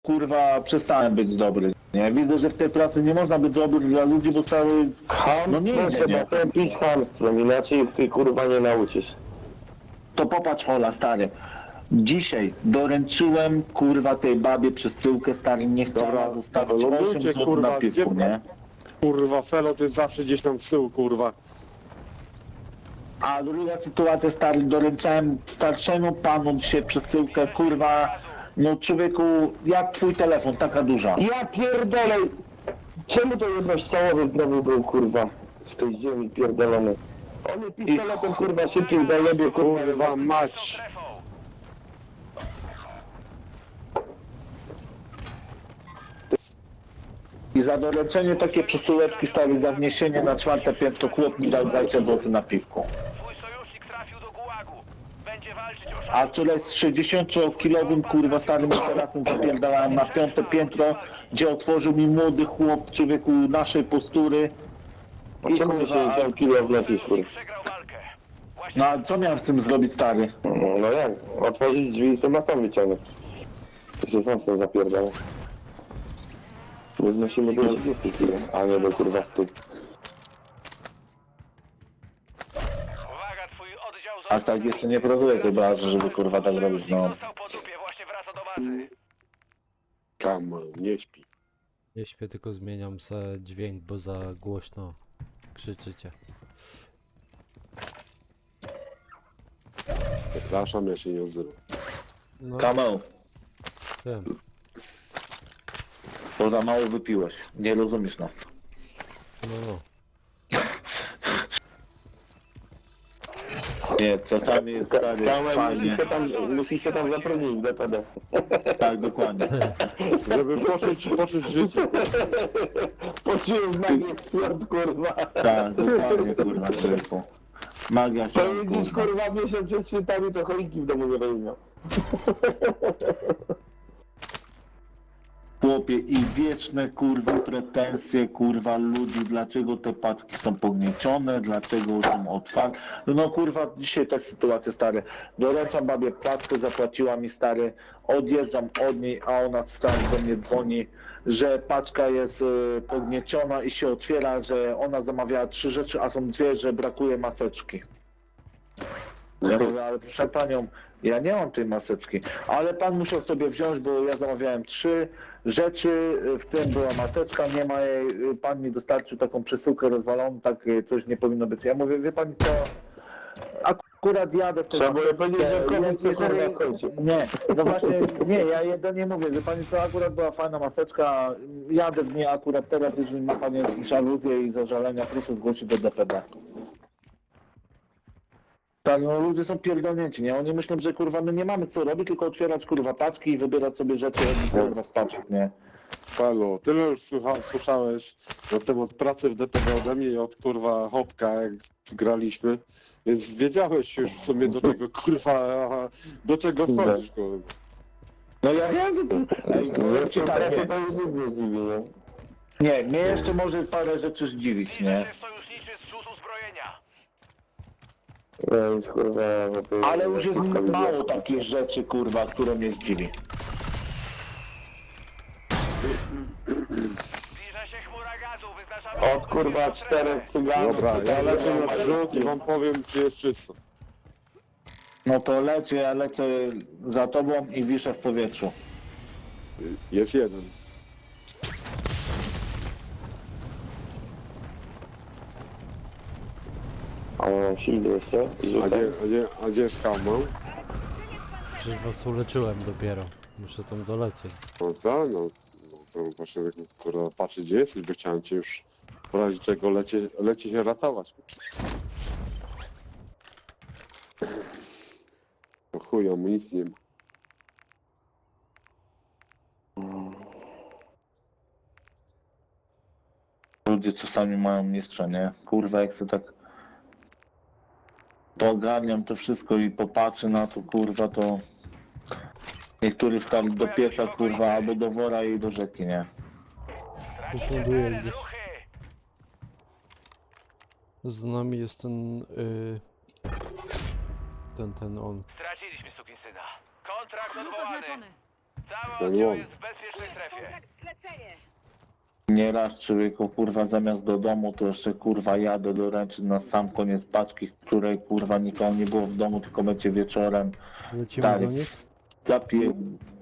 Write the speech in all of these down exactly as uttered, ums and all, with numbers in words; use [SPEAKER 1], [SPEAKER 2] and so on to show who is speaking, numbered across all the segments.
[SPEAKER 1] kurwa przestałem być dobry, nie? Widzę, że w tej pracy nie można być dobry dla ludzi, bo cały...
[SPEAKER 2] Ham,
[SPEAKER 1] No nie
[SPEAKER 2] no
[SPEAKER 1] idzie,
[SPEAKER 2] trzeba
[SPEAKER 1] nie?
[SPEAKER 2] tępić chamstwem, inaczej ty kurwa nie nauczysz.
[SPEAKER 1] To popatrz, Hola, stary. Dzisiaj doręczyłem, kurwa, tej babie przesyłkę, stary, nie chciała
[SPEAKER 3] Dobra,
[SPEAKER 1] zostawić
[SPEAKER 3] lądujcie,
[SPEAKER 1] osiem złotych
[SPEAKER 3] kurwa,
[SPEAKER 1] na piwku,
[SPEAKER 3] gdzie-
[SPEAKER 1] nie?
[SPEAKER 3] Kurwa, Felot jest zawsze gdzieś tam z tyłu, kurwa.
[SPEAKER 1] A druga sytuacja, stary, doręczałem starszemu panu dzisiaj przesyłkę, kurwa, no człowieku, jak twój telefon, taka duża.
[SPEAKER 2] Ja pierdolę! Czemu to jednościałowy znowu był kurwa z tej ziemi pierdolony? On jest pistoletem kurwa szybciej zajebie kurwa.
[SPEAKER 3] Kurwa mać.
[SPEAKER 1] I za doręczenie takie przesyłeczki, stary, za wniesienie na czwarte piętro chłop mi dał dwadzieścia złotych na piwku.
[SPEAKER 4] Twój sojusznik trafił do gułagu. Będzie walczyć o
[SPEAKER 1] A
[SPEAKER 4] szansę.
[SPEAKER 1] wczoraj z sześćdziesięciokilowym, kurwa, starym aparatem zapierdalałem na piąte piętro, gdzie otworzył mi młody chłop, człowieku, naszej postury.
[SPEAKER 2] A czemu ty się tam kilo wnosisz kurwa?
[SPEAKER 4] Przegrał walkę. Właśnie
[SPEAKER 1] No a co miałem z tym zrobić, stary?
[SPEAKER 2] No, no jak? Otworzyć drzwi i sobie sam wyciągnąć. To się sam z tym zapierdala. My znosimy do trzydziestu kilo, a nie do kurwa stu.
[SPEAKER 4] uwaga, twój oddział
[SPEAKER 1] Aż tak jeszcze nie pracuję tej bazy, żeby, kurwa, tak robić, no.
[SPEAKER 4] Dostał po dupie, właśnie wraca do bazy.
[SPEAKER 3] Kamal, nie śpi.
[SPEAKER 5] Nie śpię, tylko zmieniam se dźwięk, bo za głośno krzyczycie.
[SPEAKER 3] Przepraszam, ja się nie odzywam.
[SPEAKER 5] No,
[SPEAKER 1] Kamel,
[SPEAKER 5] wiem.
[SPEAKER 1] bo za mało wypiłeś, nie rozumiesz nas.
[SPEAKER 5] No, no.
[SPEAKER 1] Nie, czasami jest, stary,
[SPEAKER 2] Tam musi
[SPEAKER 1] fajnie.
[SPEAKER 2] się tam, musi się tam zatrudnić w D P D.
[SPEAKER 1] Tak, dokładnie.
[SPEAKER 3] Żeby poczuć, poczuć życie.
[SPEAKER 2] Poczułem magię stwierd kurwa.
[SPEAKER 1] Tak, dokładnie, kurwa, człowieku. Magia się,
[SPEAKER 2] To widzisz
[SPEAKER 1] kurwa.
[SPEAKER 2] kurwa miesiąc przed świętami to choinki w domu nie będzie miał.
[SPEAKER 1] Chłopie, i wieczne, kurwa, pretensje, kurwa, ludzi, dlaczego te paczki są pogniecione, dlaczego są otwarte. No kurwa, dzisiaj ta sytuacja, stary. Doręczam babie paczkę, zapłaciła mi, stary, odjeżdżam od niej, a ona stary do mnie dzwoni, że paczka jest y, pognieciona i się otwiera, że ona zamawiała trzy rzeczy, a są dwie, że brakuje maseczki. Ja mówię, ale proszę panią, ja nie mam tej maseczki, ale pan musiał sobie wziąć, bo ja zamawiałem trzy rzeczy, w tym była maseczka, nie ma jej, pan mi dostarczył taką przesyłkę rozwaloną, tak coś nie powinno być. Ja mówię, wie pani co, akurat jadę w tej
[SPEAKER 2] Trzeba było powiedzieć, że komuś się kurwa
[SPEAKER 1] jeżeli-
[SPEAKER 2] skończy.
[SPEAKER 1] Nie, no właśnie, nie, ja jedynie mówię, wie pani co, akurat była fajna maseczka, jadę w niej akurat teraz, jeżeli ma pani jakieś aluzje i zażalenia, proszę zgłosić do D P D. Tak, no ludzie są pierdolnięci, nie? Oni myślą, że kurwa my nie mamy co robić, tylko otwierać kurwa paczki i wybierać sobie rzeczy kurwa z paczek, nie?
[SPEAKER 3] Halo, tyle już słucha, słyszałeś na temat pracy w D P D ode mnie i od kurwa Hopka, jak graliśmy. Więc wiedziałeś już w sumie do czego kurwa, do czego wchodzisz kurwa.
[SPEAKER 1] No ja wiem, ej,
[SPEAKER 2] No
[SPEAKER 1] powiem ci
[SPEAKER 2] jeszcze
[SPEAKER 1] tak,
[SPEAKER 2] teraz
[SPEAKER 1] nie,
[SPEAKER 2] to już nic nie zdziwi, nie?
[SPEAKER 1] nie, mnie jeszcze może parę rzeczy zdziwić, nie?
[SPEAKER 4] Lider sojuszniczy zrzut uzbrojenia.
[SPEAKER 2] Ja już kurwa... no to-
[SPEAKER 1] Ale już jest mało takich rzeczy, kurwa, które mnie zdziwi.
[SPEAKER 4] Zbliża się chmura gazu, wyznaczamy...
[SPEAKER 2] Od kurwa czterech cyganów.
[SPEAKER 3] Dobra, ja
[SPEAKER 2] tutaj
[SPEAKER 3] lecę na
[SPEAKER 2] kurwa,
[SPEAKER 3] wrzut i wam powiem, czy jest czysto.
[SPEAKER 1] No to lecę, ja lecę za tobą i wiszę w powietrzu.
[SPEAKER 3] Jest jeden.
[SPEAKER 2] A mam shield jeszcze?
[SPEAKER 3] A
[SPEAKER 2] Rzucam.
[SPEAKER 3] gdzie, a gdzie, a gdzie jest Hamon?
[SPEAKER 5] Przecież was uleczyłem dopiero. Muszę tam dolecieć.
[SPEAKER 3] No tak, no, no to właśnie tak, kurwa patrzę gdzie jesteś, bo chciałem cię już w razie czego lecie, lecie się ratować. No chuj, amunicji nie ma.
[SPEAKER 1] Ludzie czasami mają mistrza, nie? Kurwa, jak sobie tak pogarniam to wszystko i popatrzę na to, kurwa, to niektórzy wstali do pieca, kurwa, albo do wora i do rzeki, nie?
[SPEAKER 5] Już
[SPEAKER 4] Tracicie
[SPEAKER 5] ląduję
[SPEAKER 4] teren,
[SPEAKER 5] gdzieś.
[SPEAKER 4] ruchy.
[SPEAKER 5] Z nami jest ten... Y... Ten, ten on.
[SPEAKER 4] Straciliśmy sukinsyna. Kontrakt
[SPEAKER 6] Wróg
[SPEAKER 4] odwołany.
[SPEAKER 6] oznaczony.
[SPEAKER 4] Cały
[SPEAKER 3] To
[SPEAKER 4] oddział
[SPEAKER 3] nie on.
[SPEAKER 4] jest w bezpiecznej strefie.
[SPEAKER 1] Nieraz człowieku kurwa zamiast do domu to jeszcze kurwa jadę doręczyć na sam koniec paczki, której kurwa nikogo nie było w domu, tylko będzie wieczorem.
[SPEAKER 5] Lecimy
[SPEAKER 1] Tak.
[SPEAKER 5] do nich.
[SPEAKER 1] Zapie...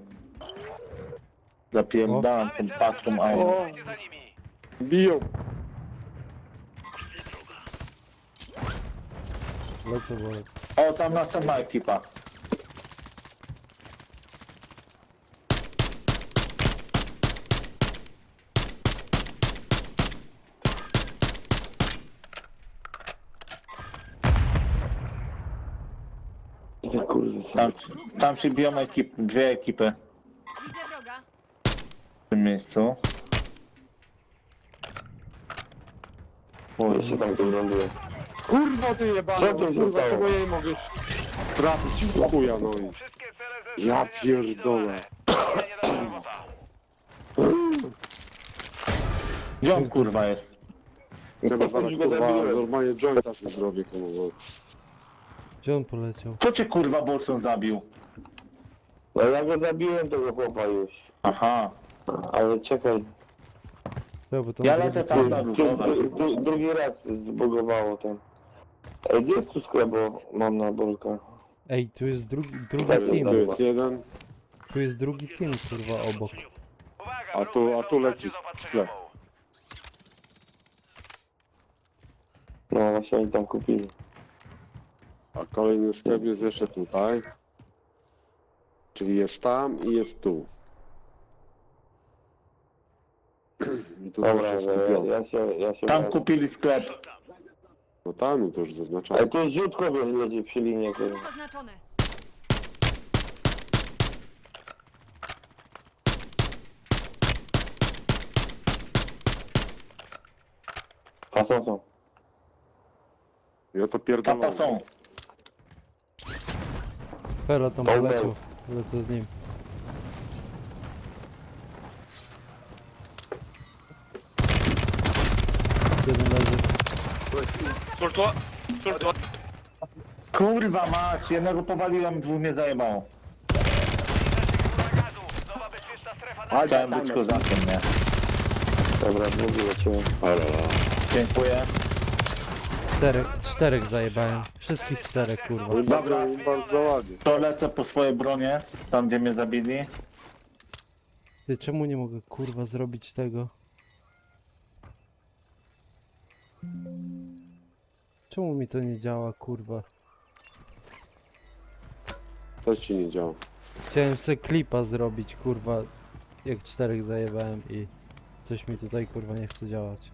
[SPEAKER 1] Zapierdalam tą
[SPEAKER 4] Mamy cel
[SPEAKER 1] paczką, a
[SPEAKER 4] zaznaczony,
[SPEAKER 1] on...
[SPEAKER 4] ruszajcie za nimi.
[SPEAKER 3] Biją.
[SPEAKER 5] Lecę, Bolek.
[SPEAKER 1] O, tam następna ekipa.
[SPEAKER 2] Ty kurwa,
[SPEAKER 1] Tam, tam się biją ekip, dwie ekipy
[SPEAKER 6] Widzę wroga.
[SPEAKER 1] w tym miejscu.
[SPEAKER 2] ja się tam tu ląduję.
[SPEAKER 3] Kurwa ty jebana,
[SPEAKER 2] Co tu
[SPEAKER 3] kurwa,
[SPEAKER 2] zostało?
[SPEAKER 3] czego ja nie mogę trafić w chuja, no i...
[SPEAKER 4] Wszystkie cele
[SPEAKER 3] Ja
[SPEAKER 4] zezwolenia
[SPEAKER 3] pierdolę.
[SPEAKER 4] zlikwidowane. Nie da robota.
[SPEAKER 1] Gdzie on kurwa jest?
[SPEAKER 3] Chyba zaraz
[SPEAKER 2] Już go
[SPEAKER 3] kurwa
[SPEAKER 2] zabiłem.
[SPEAKER 3] normalnie jointa sobie zrobię, kurwa.
[SPEAKER 5] Gdzie on poleciał?
[SPEAKER 1] Kto cię kurwa Bolson zabił?
[SPEAKER 2] No ja go zabiłem tego chłopa już.
[SPEAKER 1] Aha,
[SPEAKER 2] Ale czekaj,
[SPEAKER 5] Ja, bo tam
[SPEAKER 1] ja
[SPEAKER 5] drugi
[SPEAKER 1] lecę
[SPEAKER 5] cel.
[SPEAKER 1] tam na
[SPEAKER 2] dru,
[SPEAKER 1] różowe.
[SPEAKER 2] dru, dru, drugi raz zbugowało ten. Ej, gdzie jest tu sklep, bo mam na bolka.
[SPEAKER 5] Ej, tu jest drugi, drugi
[SPEAKER 2] Tak,
[SPEAKER 3] Tu
[SPEAKER 5] team.
[SPEAKER 3] jest jeden,
[SPEAKER 5] Tu jest drugi team, kurwa, obok.
[SPEAKER 4] Uwaga,
[SPEAKER 3] a tu, a tu leci sklep.
[SPEAKER 2] No właśnie oni tam kupili.
[SPEAKER 3] A kolejny sklep jest jeszcze tutaj. Czyli jest tam i jest tu. I tu też
[SPEAKER 2] Dobra,
[SPEAKER 3] jest
[SPEAKER 2] ja,
[SPEAKER 3] kupione.
[SPEAKER 2] ja się, ja się...
[SPEAKER 1] Tam
[SPEAKER 2] wracam.
[SPEAKER 1] kupili sklep.
[SPEAKER 3] No tam i to już zaznaczamy.
[SPEAKER 2] Ej, tu jest rzutko leci przy linie, kurwa.
[SPEAKER 6] Oznaczony.
[SPEAKER 2] A są, są.
[SPEAKER 3] Ja to
[SPEAKER 1] Tapa
[SPEAKER 3] pierdolę.
[SPEAKER 1] są.
[SPEAKER 5] Pela tam
[SPEAKER 2] Dobra.
[SPEAKER 5] poleciał. Lecę z nim. Jeden leży.
[SPEAKER 1] Kurwa mać, jednego powaliłem, dwóch mnie zajebało.
[SPEAKER 4] Nowa bezpieczna strefa na
[SPEAKER 1] Ale chciałem być kozakiem, nie?
[SPEAKER 2] Dobra, drugi lecimy.
[SPEAKER 1] Dziękuję.
[SPEAKER 5] Czterech, czterech zajebałem. Wszystkich czterech, kurwa.
[SPEAKER 3] No i bardzo, bardzo ładnie.
[SPEAKER 1] To lecę po swoje bronie, tam gdzie mnie zabili.
[SPEAKER 5] Ty, czemu nie mogę, kurwa, zrobić tego? Czemu mi to nie działa, kurwa?
[SPEAKER 3] Coś ci nie działa.
[SPEAKER 5] Chciałem sobie klipa zrobić, kurwa, jak czterech zajebałem i coś mi tutaj, kurwa, nie chce działać.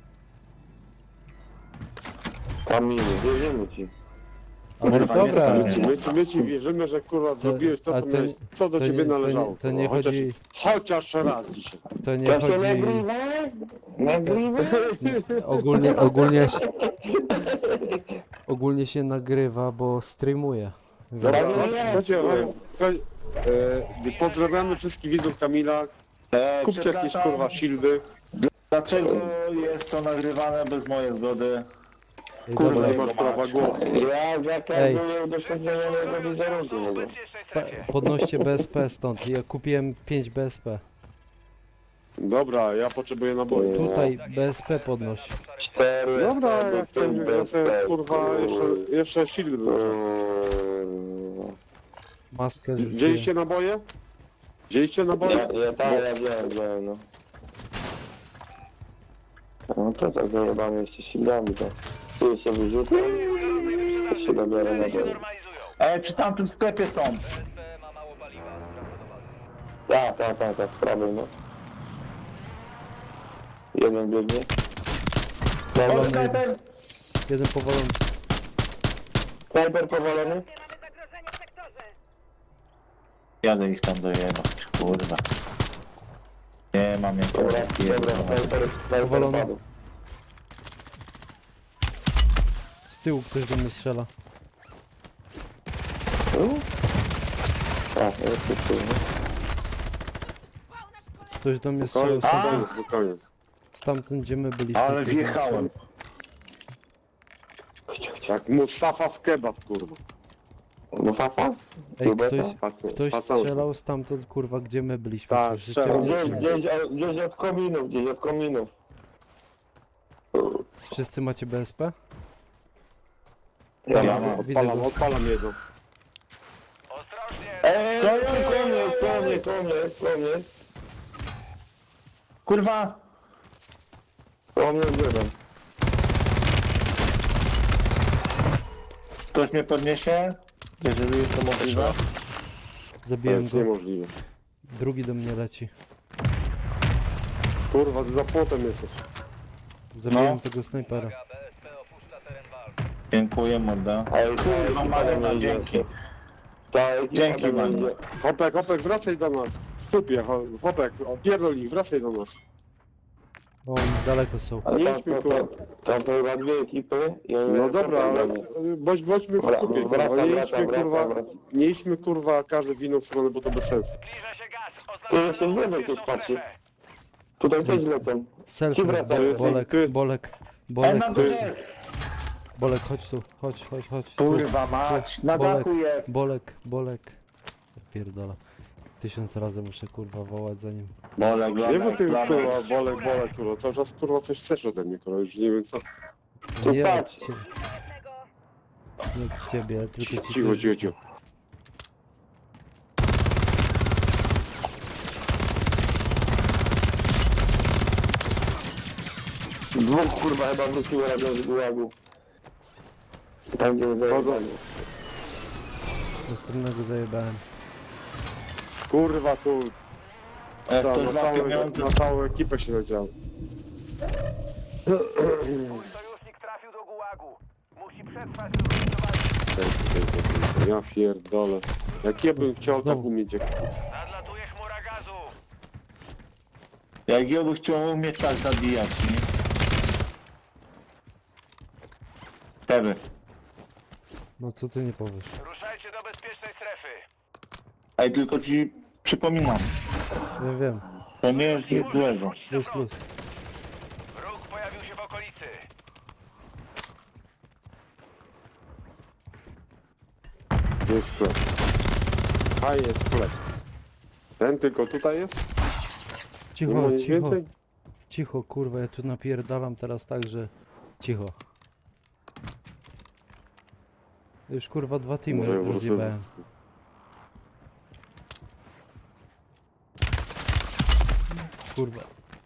[SPEAKER 2] Kamil, wierzymy ci.
[SPEAKER 5] Ale
[SPEAKER 1] Kurwa, nie
[SPEAKER 5] dobra,
[SPEAKER 1] stanie.
[SPEAKER 3] My ci, my, ci, my ci wierzymy, że kurwa zrobiłeś to,
[SPEAKER 5] a
[SPEAKER 3] co,
[SPEAKER 5] to
[SPEAKER 3] miałeś, co do
[SPEAKER 5] to
[SPEAKER 3] ciebie
[SPEAKER 5] nie- to nie-
[SPEAKER 3] należało.
[SPEAKER 5] to nie
[SPEAKER 3] kurwa. chociaż,
[SPEAKER 5] chodzi-
[SPEAKER 3] chociaż raz dzisiaj.
[SPEAKER 5] to nie
[SPEAKER 2] To się
[SPEAKER 5] chodzi...
[SPEAKER 2] nagrywa? Nagrywa?
[SPEAKER 5] Ogólnie, ogólnie się... Ogólnie się nagrywa, bo streamuję.
[SPEAKER 3] Dobra,
[SPEAKER 5] Więc...
[SPEAKER 2] no
[SPEAKER 3] no,
[SPEAKER 2] nie,
[SPEAKER 3] słuchajcie,
[SPEAKER 2] no.
[SPEAKER 3] e, słuchaj, e, pozdrawiamy wszystkich widzów Kamila.
[SPEAKER 1] E,
[SPEAKER 3] Kupcie jakieś
[SPEAKER 1] przepraszam,
[SPEAKER 3] kurwa shieldy.
[SPEAKER 1] Dlaczego jest to nagrywane bez mojej zgody?
[SPEAKER 5] Ej,
[SPEAKER 1] kurwa,
[SPEAKER 5] dobra,
[SPEAKER 3] Nie masz prawa głosu.
[SPEAKER 2] Ja zakazuję udostępniania mojego wizerunku.
[SPEAKER 4] w
[SPEAKER 2] w ogóle.
[SPEAKER 4] bezpiecznej
[SPEAKER 5] pa-
[SPEAKER 4] strefie.
[SPEAKER 5] podnoście B S P stąd. Ja kupiłem pięć B S P.
[SPEAKER 3] Dobra, ja potrzebuję naboju.
[SPEAKER 5] Tutaj B S P podnoś.
[SPEAKER 2] Cztery.
[SPEAKER 3] Dobra,
[SPEAKER 2] cztery,
[SPEAKER 3] ja chcę, ja chcę kurwa jeszcze, jeszcze shield bym chciał.
[SPEAKER 2] Kurwa.
[SPEAKER 5] Maskę rzuciłem.
[SPEAKER 3] Wzięliście naboje? Wzięliście naboje?
[SPEAKER 2] Ja, ja, tak, ja wziąłem, wziąłem, no. No to tak zajebamy jeszcze silami, to. Tu się wyrzucam, to się dobiorę na
[SPEAKER 4] Cele się
[SPEAKER 2] dole.
[SPEAKER 4] normalizują.
[SPEAKER 1] E, przy tamtym sklepie są.
[SPEAKER 4] B S P ma mało paliwa.
[SPEAKER 2] Tak, tak, tak, tak, z prawej, no. Jeden biegnie.
[SPEAKER 1] O,
[SPEAKER 5] Powalony,
[SPEAKER 1] snajper!
[SPEAKER 5] jeden powalony.
[SPEAKER 2] Snajper powalony?
[SPEAKER 1] Jadę ich tam dojebać, kurwa. Nie mam jak
[SPEAKER 2] Dobra, dobra, snajper, snajper
[SPEAKER 5] Powalony.
[SPEAKER 2] padł.
[SPEAKER 5] Z tyłu ktoś do mnie strzela.
[SPEAKER 2] A, jest jest jest.
[SPEAKER 5] Ktoś do mnie
[SPEAKER 3] Spokojnie,
[SPEAKER 5] strzelał
[SPEAKER 3] spokojnie,
[SPEAKER 5] stamtąd,
[SPEAKER 3] spokojnie.
[SPEAKER 5] stamtąd gdzie my byliśmy.
[SPEAKER 1] Ale
[SPEAKER 5] ktoś do mnie
[SPEAKER 1] wjechałem.
[SPEAKER 5] strzelał.
[SPEAKER 3] Jak Mustafa w kebab, kurwa.
[SPEAKER 2] No fafa?
[SPEAKER 5] Ej,
[SPEAKER 2] Kubeta?
[SPEAKER 5] ktoś,
[SPEAKER 3] Faca-
[SPEAKER 5] ktoś
[SPEAKER 3] faca-
[SPEAKER 5] strzelał stamtąd, kurwa, gdzie my byliśmy,
[SPEAKER 3] Tak,
[SPEAKER 5] słyszycie
[SPEAKER 3] strzelał.
[SPEAKER 5] mnie,
[SPEAKER 2] Gdzieś,
[SPEAKER 5] czy nie?
[SPEAKER 2] gdzieś, od- gdzieś od kominów, gdzieś od kominów.
[SPEAKER 5] Wszyscy macie B S P?
[SPEAKER 2] Ja
[SPEAKER 1] Ja
[SPEAKER 2] mam.
[SPEAKER 1] mam.
[SPEAKER 5] Widzę
[SPEAKER 3] Odpalam,
[SPEAKER 5] go.
[SPEAKER 3] odpalam jego.
[SPEAKER 4] Ostrożnie!
[SPEAKER 2] Eee, konie, konie, konie, konie.
[SPEAKER 1] Kurwa!
[SPEAKER 2] Konie jeden.
[SPEAKER 1] Ktoś mnie podniesie? Jeżeli jest to możliwe.
[SPEAKER 3] To
[SPEAKER 5] Zabiłem
[SPEAKER 3] jest
[SPEAKER 5] go.
[SPEAKER 3] niemożliwe.
[SPEAKER 5] Drugi do mnie leci.
[SPEAKER 3] Kurwa, ty za płotem jesteś.
[SPEAKER 5] Zabiłem
[SPEAKER 1] No.
[SPEAKER 5] tego snajpera.
[SPEAKER 4] B S P opuszcza teren walki.
[SPEAKER 1] Dziękuję, morda.
[SPEAKER 2] Ej,
[SPEAKER 1] Kurwa, Marina, dzięki.
[SPEAKER 2] Ta ekipa
[SPEAKER 1] Dzięki,
[SPEAKER 2] tam
[SPEAKER 1] Manu.
[SPEAKER 2] idzie.
[SPEAKER 3] Hopek, Hopek, wracaj do nas. W supie, ho- Hopek, opierdol ich, wracaj do nas.
[SPEAKER 5] O, oni daleko są.
[SPEAKER 2] Ale
[SPEAKER 3] Nie
[SPEAKER 2] tam,
[SPEAKER 3] idźmy,
[SPEAKER 2] to,
[SPEAKER 3] kurwa.
[SPEAKER 2] tam to chyba dwie ekipy i oni
[SPEAKER 3] No dobra, ale bądź, bądźmy w
[SPEAKER 2] Wra-
[SPEAKER 3] skupie, kurwa.
[SPEAKER 2] wracam,
[SPEAKER 3] Nie
[SPEAKER 2] wracam,
[SPEAKER 3] idźmy, kurwa,
[SPEAKER 2] wracam, wracam.
[SPEAKER 3] nie idźmy, kurwa, każdy w inną stronę, bo to bez sensu.
[SPEAKER 4] Zbliża się gaz.
[SPEAKER 2] Tu jeszcze
[SPEAKER 4] Oznaczono
[SPEAKER 2] nie wiem,
[SPEAKER 4] bezpieczną
[SPEAKER 2] ktoś patrzy.
[SPEAKER 4] strefę.
[SPEAKER 2] Tutaj też lecą.
[SPEAKER 5] Self
[SPEAKER 2] Ci
[SPEAKER 5] jest
[SPEAKER 2] wracają.
[SPEAKER 5] bo,
[SPEAKER 3] jest-
[SPEAKER 5] Bolek,
[SPEAKER 3] tu jest-
[SPEAKER 5] Bolek,
[SPEAKER 1] Ej,
[SPEAKER 5] Bolek,
[SPEAKER 1] na
[SPEAKER 5] chodź,
[SPEAKER 1] górze!
[SPEAKER 5] Bolek, chodź tu, chodź, chodź, chodź. tu.
[SPEAKER 1] Kurwa mać, na
[SPEAKER 5] Bolek,
[SPEAKER 1] dachu jest!
[SPEAKER 5] Bolek, Bolek. Ja pierdolę. Tysiąc razy muszę kurwa wołać za nim.
[SPEAKER 1] Bolek,
[SPEAKER 3] Nie, bo
[SPEAKER 1] Bolek,
[SPEAKER 3] ty,
[SPEAKER 1] Bolek.
[SPEAKER 3] kurwa, bolek, bolek, kurwa, cały czas, kurwa, coś chcesz ode mnie, kurwa, już nie wiem co.
[SPEAKER 2] Tu
[SPEAKER 5] Nie
[SPEAKER 2] patrz.
[SPEAKER 5] od ciebie. Nie od ciebie, ale tylko ci
[SPEAKER 3] Cicho,
[SPEAKER 5] coś
[SPEAKER 3] cicho,
[SPEAKER 5] rzucę.
[SPEAKER 3] cicho.
[SPEAKER 2] Dwóch kurwa chyba wróciło razem z gułagu. Tam gdzie zajebali.
[SPEAKER 5] Następnego zajebałem.
[SPEAKER 3] Kurwa, tu,
[SPEAKER 1] Jak
[SPEAKER 3] ta,
[SPEAKER 1] ktoś
[SPEAKER 3] na,
[SPEAKER 1] ma
[SPEAKER 3] całe,
[SPEAKER 1] pieniądze,
[SPEAKER 3] na całą ekipę się nadział.
[SPEAKER 4] Mój sojusznik trafił do gułagu. Musi przetrwać do końca walki.
[SPEAKER 3] Ja pierdolę. Jak ja bym
[SPEAKER 5] Znowu.
[SPEAKER 3] chciał tak umieć jak...
[SPEAKER 4] Nadlatuje chmura gazu.
[SPEAKER 1] jak ja bym chciał umieć tak zabijać, nie? Wtedy.
[SPEAKER 5] No co ty nie powiesz?
[SPEAKER 4] Ruszajcie do bezpiecznej strefy.
[SPEAKER 1] Ej, tylko ci przypominam,
[SPEAKER 5] Wiem, wiem.
[SPEAKER 1] to nie jest nic złego.
[SPEAKER 4] Wróć do
[SPEAKER 5] Luz,
[SPEAKER 4] frontu.
[SPEAKER 5] luz.
[SPEAKER 4] Wróg pojawił się w okolicy.
[SPEAKER 3] Gdzie jest sklep? A jest sklep. Ten tylko tutaj jest? Nie
[SPEAKER 5] Cicho,
[SPEAKER 3] ma nic
[SPEAKER 5] cicho,
[SPEAKER 3] więcej?
[SPEAKER 5] cicho, kurwa, ja tu napierdalam teraz tak, że... Cicho. Już kurwa dwa
[SPEAKER 3] Może
[SPEAKER 5] teamy
[SPEAKER 3] wrócę.
[SPEAKER 5] rozjebałem. Kurwa.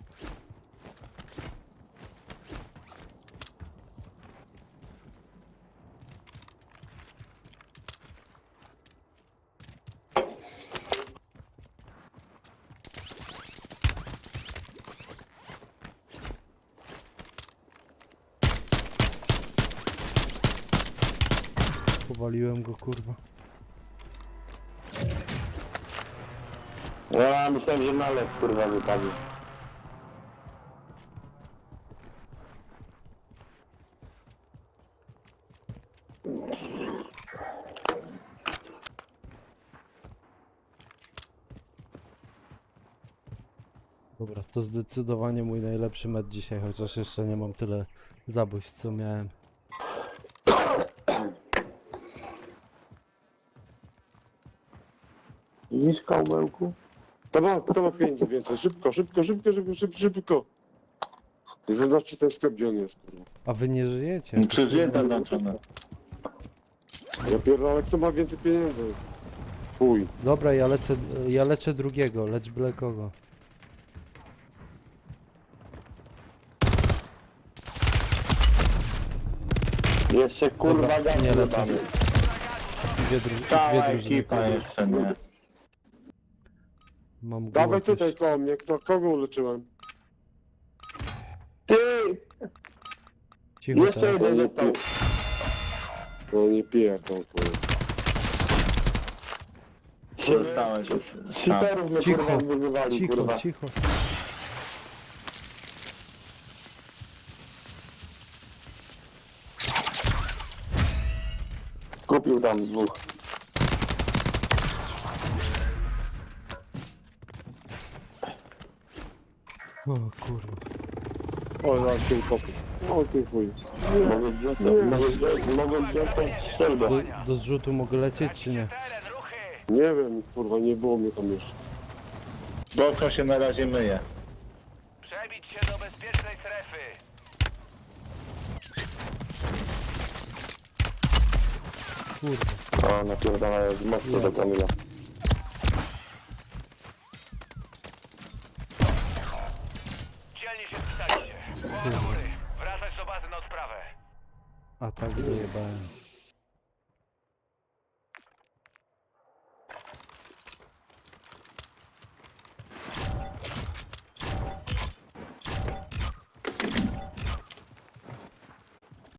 [SPEAKER 5] Powaliłem go, kurwa.
[SPEAKER 2] Ja myślałem, że nalew kurwa wypadł.
[SPEAKER 5] Dobra, to zdecydowanie mój najlepszy mecz dzisiaj, chociaż jeszcze nie mam tyle zabójstw, co miałem.
[SPEAKER 2] Widzisz kałmełku?
[SPEAKER 3] Kto ma, kto ma pieniędzy więcej? Szybko, szybko, szybko, szybko, szybko, szybko. I zobaczcie ten sklep, gdzie on jest, kurwa.
[SPEAKER 5] A wy nie żyjecie?
[SPEAKER 1] Przecież jest zaznaczone.
[SPEAKER 3] Ja pierdolę, kto ma więcej pieniędzy? Chuj.
[SPEAKER 5] Dobra, ja lecę, ja leczę drugiego, lecz byle kogo.
[SPEAKER 2] Jeszcze kurwa
[SPEAKER 5] Dobra,
[SPEAKER 2] gaz
[SPEAKER 5] nie lecę.
[SPEAKER 2] wypadł.
[SPEAKER 5] Dwie, dru
[SPEAKER 1] Cała
[SPEAKER 5] dwie drużyny.
[SPEAKER 1] ekipa
[SPEAKER 5] kurwa.
[SPEAKER 1] jeszcze, nie?
[SPEAKER 5] Mam
[SPEAKER 3] Dawaj
[SPEAKER 5] głowę
[SPEAKER 3] tutaj
[SPEAKER 5] też.
[SPEAKER 3] koło mnie, kto, kogo uleczyłem?
[SPEAKER 2] Ty!
[SPEAKER 5] Cicho
[SPEAKER 2] Jeszcze
[SPEAKER 5] teraz.
[SPEAKER 2] jeden został.
[SPEAKER 3] No nie pierdol, kurwa.
[SPEAKER 1] Zostałeś już. Tak.
[SPEAKER 2] Shiperów mnie
[SPEAKER 5] Cicho,
[SPEAKER 2] kurwa wyzywali
[SPEAKER 5] Cicho,
[SPEAKER 2] kurwa.
[SPEAKER 5] cicho.
[SPEAKER 2] Kupił tam dwóch.
[SPEAKER 5] O kurwa.
[SPEAKER 3] O, zaraz się utopię. O, ty chuj.
[SPEAKER 2] Mogę wziąć, mogę wziąć, mogę wziąć tą strzelbę.
[SPEAKER 5] Do, do zrzutu mogę lecieć, czy nie?
[SPEAKER 4] Teren, ruchy!
[SPEAKER 3] Nie wiem, kurwa, nie było mnie tam jeszcze.
[SPEAKER 1] Boczno się na razie myje.
[SPEAKER 4] Przebić się do bezpiecznej strefy.
[SPEAKER 5] Kurwa.
[SPEAKER 2] O, napierdalają z mostu do Kamila.
[SPEAKER 4] Dzielnie się spisaliście. Głowa do góry. Wracać do bazy na odprawę.
[SPEAKER 5] A tak dojebałem.